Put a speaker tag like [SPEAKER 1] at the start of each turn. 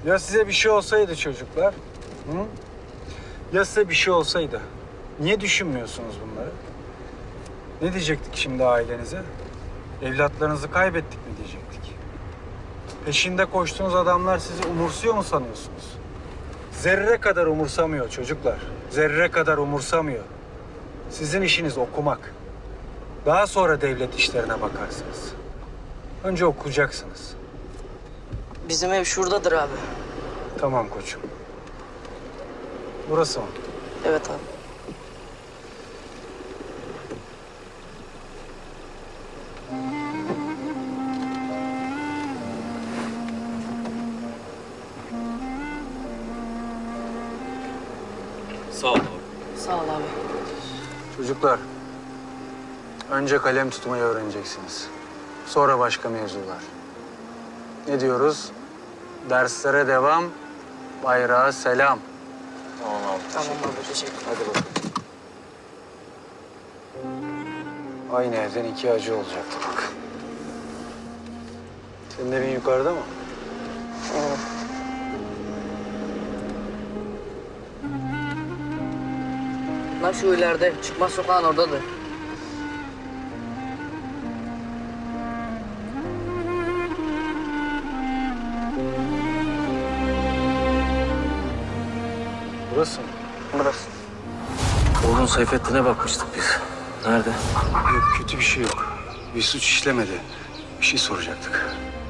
[SPEAKER 1] Ya size bir şey olsaydı çocuklar? Hı? Ya size bir şey olsaydı? Niye düşünmüyorsunuz bunları? Ne diyecektik şimdi ailenize? Evlatlarınızı kaybettik mi diyecektik? Peşinde koştuğunuz adamlar sizi umursuyor mu sanıyorsunuz? Zerre kadar umursamıyor çocuklar. Zerre kadar umursamıyor. Sizin işiniz okumak. Daha sonra devlet işlerine bakarsınız. Önce okuyacaksınız.
[SPEAKER 2] Bizim ev şuradadır abi.
[SPEAKER 1] Tamam koçum. Burası mı?
[SPEAKER 2] Evet abi.
[SPEAKER 3] Sağ ol abi.
[SPEAKER 2] Sağ ol abi.
[SPEAKER 1] Çocuklar, önce kalem tutmayı öğreneceksiniz. Sonra başka mevzular. Ne diyoruz? Derslere devam, bayrağa selam.
[SPEAKER 3] Tamam abi.
[SPEAKER 2] Tamam abi, teşekkür ederim.
[SPEAKER 1] Hadi bakalım. Aynı evden iki acı olacaktı bak. Senin evin yukarıda mı?
[SPEAKER 2] Evet. Lan şu ileride, çıkmaz sokağın oradadır.
[SPEAKER 1] Burası mı?
[SPEAKER 2] Burası.
[SPEAKER 3] Oğlum Seyfettin'e bakmıştık biz. Nerede?
[SPEAKER 1] Yok, kötü bir şey yok. Bir suç işlemedi. Bir şey soracaktık.